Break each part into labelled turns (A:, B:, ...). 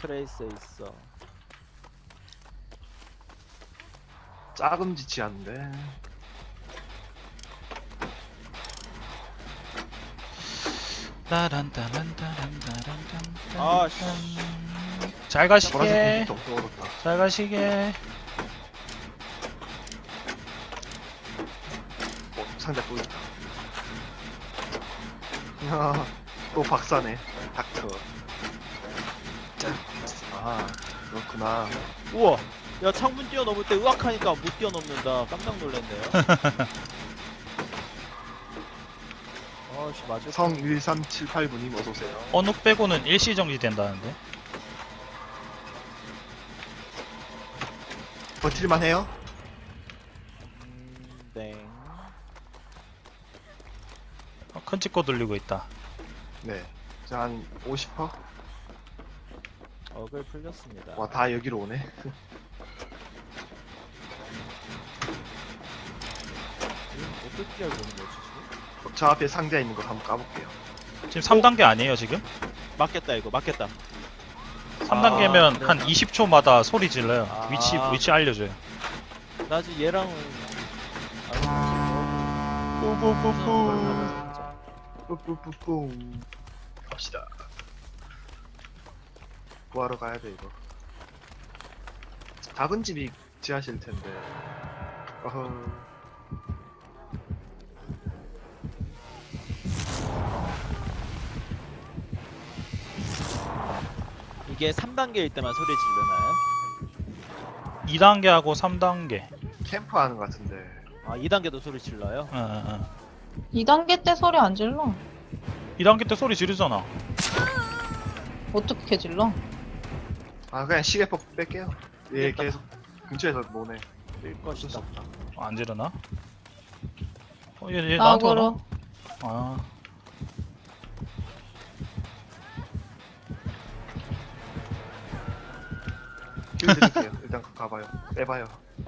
A: 트레이스에 있어.
B: 짜금지치 않는데.
A: 아,
C: 잘
B: 보라색
C: 가시게.
B: 공기도 떨어졌다.
C: 잘 가시게.
B: 상자 또 있다. 야, 또 박사네. 닥터. 아, 그렇구나.
A: 우와. 야, 창문 뛰어넘을 때 으악하니까 못 뛰어넘는다. 깜짝 놀랐네요. 아씨, 맞을
B: 성 1378분님 어서오세요.
C: 언욱 빼고는 일시 정지 된다는데.
B: 버틸만 해요?
A: 네.
C: 큰 찍고 들리고 있다.
B: 네. 자, 한 50%?
A: 억을 풀렸습니다.
B: 와, 다 여기로 오네.
A: 어떻게 알고 오는 거지 지금?
B: 저 앞에 상자 있는 거 한번 까볼게요.
C: 지금 3단계 아니에요 지금?
A: 맞겠다 이거 맞겠다.
C: 3단계면
A: 그래.
C: 한 20초마다 소리 질러요.
A: 아.
C: 위치 알려줘요.
A: 나 아직 얘랑은
B: 뿌뿌뿌뿌. 갑시다. 구하러 가야 돼, 이거. 작은 집이 지하실 텐데. 어허.
A: 이게 3단계일 때만 소리 질르나요?
C: 2단계하고 3단계.
B: 캠프 하는 것 같은데.
A: 아 2단계도 소리 질러요?
D: 2단계 때 소리 안 질러.
C: 2단계 때 소리 지르잖아.
D: 어떻게 질러?
B: 아, 그냥 시계폭 뺄게요. 얘 계속 근처에서 노네.
A: 일
B: 어쩔 수
A: 것이다.
B: 없다.
C: 안 지르나? 얘 나한테 오나?
D: 나고로.
C: 아.
B: 힐 드릴게요. 일단 가봐요. 빼봐요.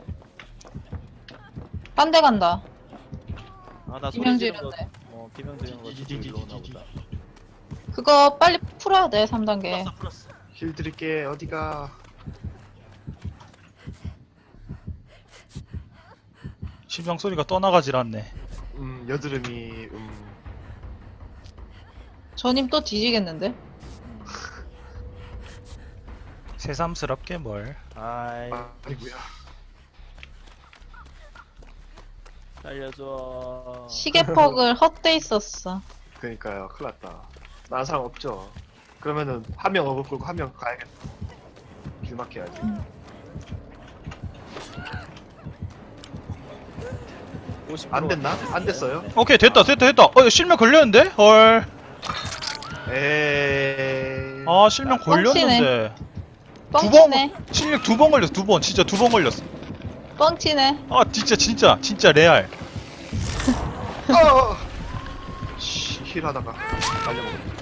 D: 딴 데 간다.
A: 아나 소리
D: 비명
A: 지르는 거
D: 지르는데.
A: 비명 지르는 거 듣고 일로 오나 보다.
D: 그거 빨리 풀어야 돼, 3단계.
A: 풀었어.
B: 힐 드릴게. 어디가?
C: 심장 소리가 떠나가질 않네.
B: 여드름이,
D: 저님 또 뒤지겠는데?
C: 새삼스럽게 뭘.
A: 아이
B: 아니구야.
A: 살려줘.
D: 시계퍽을 헛돼 있었어.
B: 그니까요. 큰일 났다. 나는 사람 없죠. 그러면은, 한 명 어글 끌고 한 명 가야겠다. 길 막혀야지. 안 됐나? 안 됐어요?
A: 네.
C: 오케이 됐다. 실명 걸렸는데? 헐.
B: 에이.
C: 아 실명 걸렸는데.
D: 뻥치네.
C: 실명 2번 걸렸어. 2번. 진짜 2번 걸렸어.
D: 뻥치네.
C: 아 진짜 레알.
B: 힐 하다가 말려먹었네.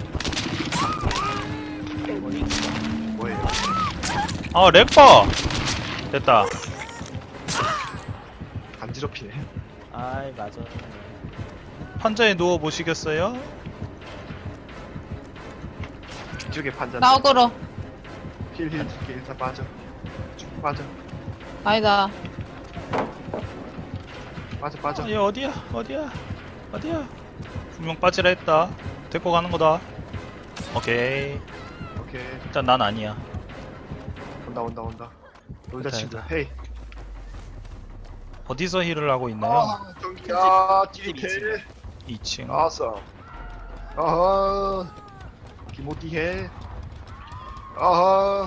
B: 뭐예요?
C: 아 렉봐. 됐다.
B: 간지럽히네.
A: 아이 맞아.
C: 판자에 누워 보시겠어요?
B: 뒤쪽에 판자.
D: 나고로.
B: 힐 줄게. 일단 빠져. 쭉 빠져.
D: 아니다.
B: 빠져.
C: 얘 어디야? 분명 빠지라 했다. 데리고 가는 거다. 오케이.
B: 오케이.
C: 일단 난 아니야.
B: 온다. 놀자
C: 됐다,
B: 친구.
C: 됐다.
B: 헤이.
C: 어디서 힐을 하고 있나요?
B: 야,
A: 집
B: 딜
C: 2층.
B: 아싸. 아하. 기모티 해. 아하.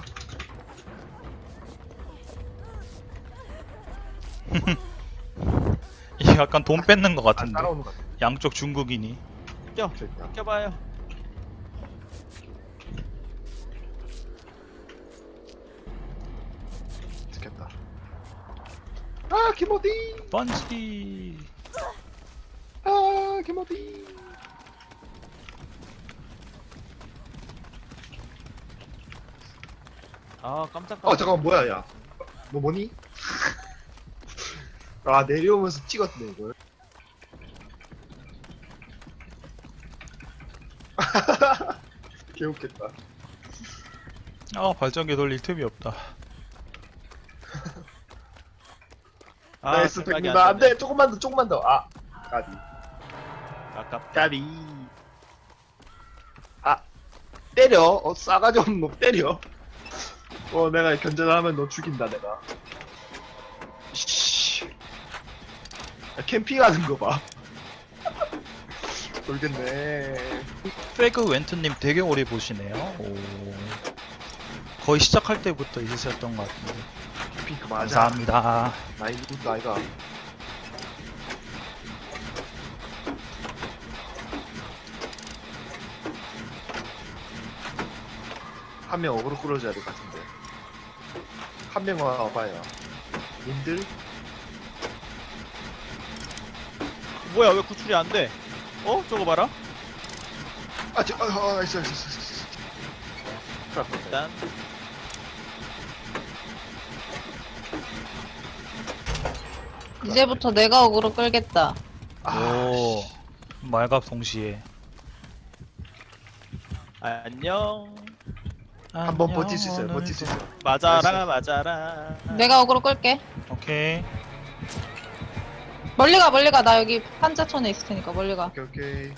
C: 이게 약간 돈 뺏는 것
B: 안
C: 같은데.
B: 따라오는 것 같아.
C: 양쪽 중국인이.
B: 됐다.
A: 껴봐요.
B: 죽겠다. 아, 기모티.
C: 번지.
B: 아, 기모티.
A: 아 깜짝.
B: 잠깐만, 뭐야, 야. 뭐니? 아, 내려오면서 찍었네, 이걸. 개웃겠다.
C: 아 발전기 돌릴 틈이 없다.
B: 나이스
A: 생각이
B: 100m.
A: 안
B: 안 돼. 조금만 더, 조금만 더. 아, 까비.
A: 아깝다.
B: 까비. 아, 때려. 싸가지 없는 놈 때려. 내가 견제하면 너 죽인다, 내가. 씨. 캠핑하는 거 봐. 돌겠네.
C: 페그 웬트님 되게 오래 보시네요. 오. 거의 시작할 때부터 있으셨던 것 같은데.
B: 캠핑 그만하자.
C: 감사합니다.
B: 나이 누군가, 아이가. 한 명 어그로 끌어줘야 될 것 같은데. 한 명 와봐요. 님들?
A: 뭐야 왜 구출이 안 돼? 어? 저거 봐라.
B: 나이스.
A: 일단
D: 이제부터 내가 어그로 끌겠다.
C: 오. 말갑 동시에.
A: 안녕.
B: 한번 버틸 수 있어요, 버틸 수 있어요.
A: 맞아라 맞아라.
D: 내가 어그로 끌게.
C: 오케이.
D: 멀리 가, 멀리 가. 나 여기 판자촌에 있을 테니까 멀리 가.
B: 오케이.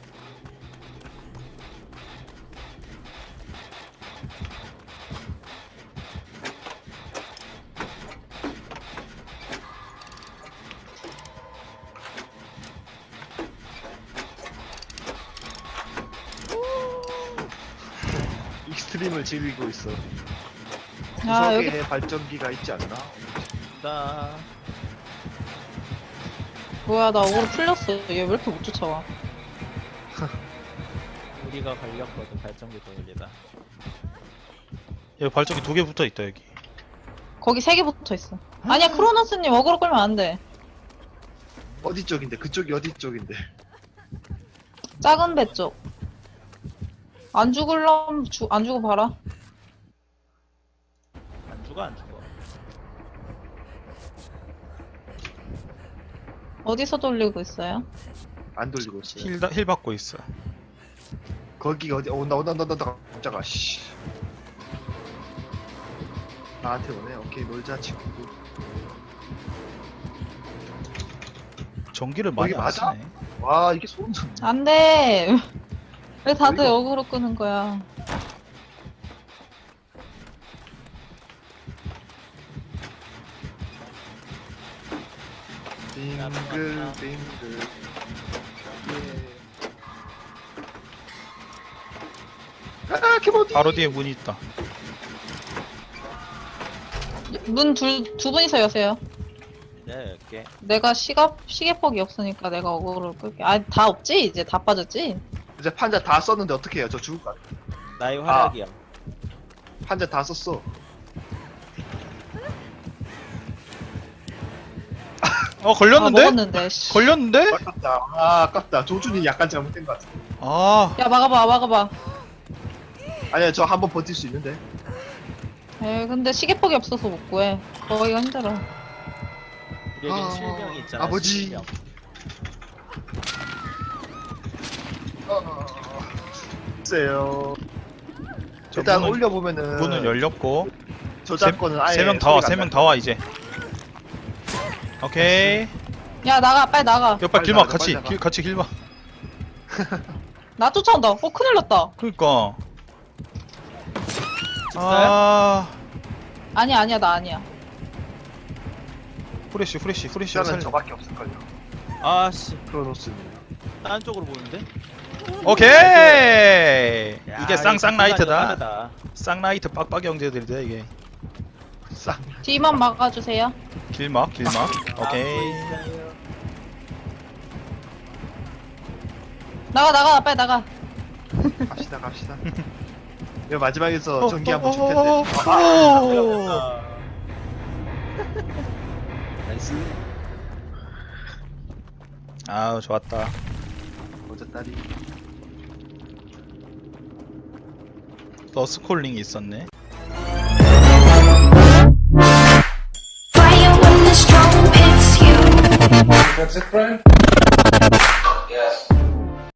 B: 익스트림을 즐기고 있어.
D: 아, 여기
B: 구석에 발전기가 있지 않나?
A: 나
D: 뭐야, 나 어그로 풀렸어. 얘 왜 이렇게 못 쫓아와?
A: 우리가 걸렸거든 발전기 돌리다.
C: 여기 발전기 2개 붙어 있다 여기.
D: 거기 3개 붙어 있어. 아니야, 크로노스님 어그로 끌면 안 돼.
B: 어디 쪽인데? 그쪽이 어디 쪽인데?
D: 작은 배 쪽. 안 죽을럼 안 죽어 봐라.
A: 안 죽어 안 죽어.
D: 어디서 돌리고 있어요?
B: 안 돌리고 있어요.
C: 힐 받고 있어.
B: 거기 어디? 온다. 깜짝아. 씨. 나한테 오네. 오케이, 놀자 친구.
C: 전기를 많이
B: 거기
C: 안
B: 맞아?
C: 쓰네.
B: 와, 이게 소름 돋네.
D: 안 돼. 왜 다들
B: 어이가
D: 어그로 끄는 거야?
B: 빙글. 예. 아, 키보드.
C: 바로 뒤에 문이 있다.
D: 문 두 분이서 여세요.
A: 네 이렇게.
D: 내가 시계폭이 없으니까 내가 어그로를 끌게. 아, 다 없지? 이제 다 빠졌지?
B: 이제 판자 다 썼는데 어떻게 해요? 저 죽을 것 같아.
A: 나의 활약이야.
B: 판자 다 썼어.
C: 걸렸는데?
D: 아, 먹었는데. 씨.
C: 걸렸는데?
B: 아깝다. 아, 아깝다. 조준이 약간 잘못된 것 같아.
C: 아.
D: 야, 막아봐.
B: 아니야, 저 한 번 버틸 수 있는데.
D: 에, 근데 시계폭이 없어서 못 구해. 거기가 힘들어.
A: 우리에겐 실명이 있잖아.
B: 아버지.
A: 실명.
B: 글쎄요.
C: 저
B: 일단
C: 문은-
B: 올려보면은
C: 문은 열렸고.
B: 저작권은 아예
C: 3명 다 와.
B: 소리가
C: 3명
B: 안
C: 다 와 이제. 오케이.
D: 야, 나가, 빨리 나가.
C: 옆발
B: 빨리
C: 길막
B: 나가,
C: 같이
B: 빨리 나가.
C: 같이 길막.
D: 나 쫓아온다. 큰일 났다.
C: 그러니까.
A: 직사야?
C: 아.
D: 아니야, 나 아니야.
C: 후레쉬
B: 나는
C: 살려.
B: 저밖에 없을걸요.
A: 아씨
B: 크로노스는.
A: 다른 쪽으로 보는데?
C: 오케이.
A: 야,
C: 이게 쌍쌍 라이트다.
A: 빠르다.
C: 쌍라이트 빡빡이 형제들이다 이게.
B: 쌍.
D: 뒤만 막아주세요.
C: 길막. 오케이.
A: 있어요.
D: 나가, 빨리 나가.
B: 갑시다. 이거 마지막에서 전기 한번 줄 텐데.
C: 오.
A: 나이스.
C: 아우 좋았다.
B: 어쩌다리.
C: 너스콜링이 있었네.
E: Fire when the storm hits you.
F: That's it, Brian?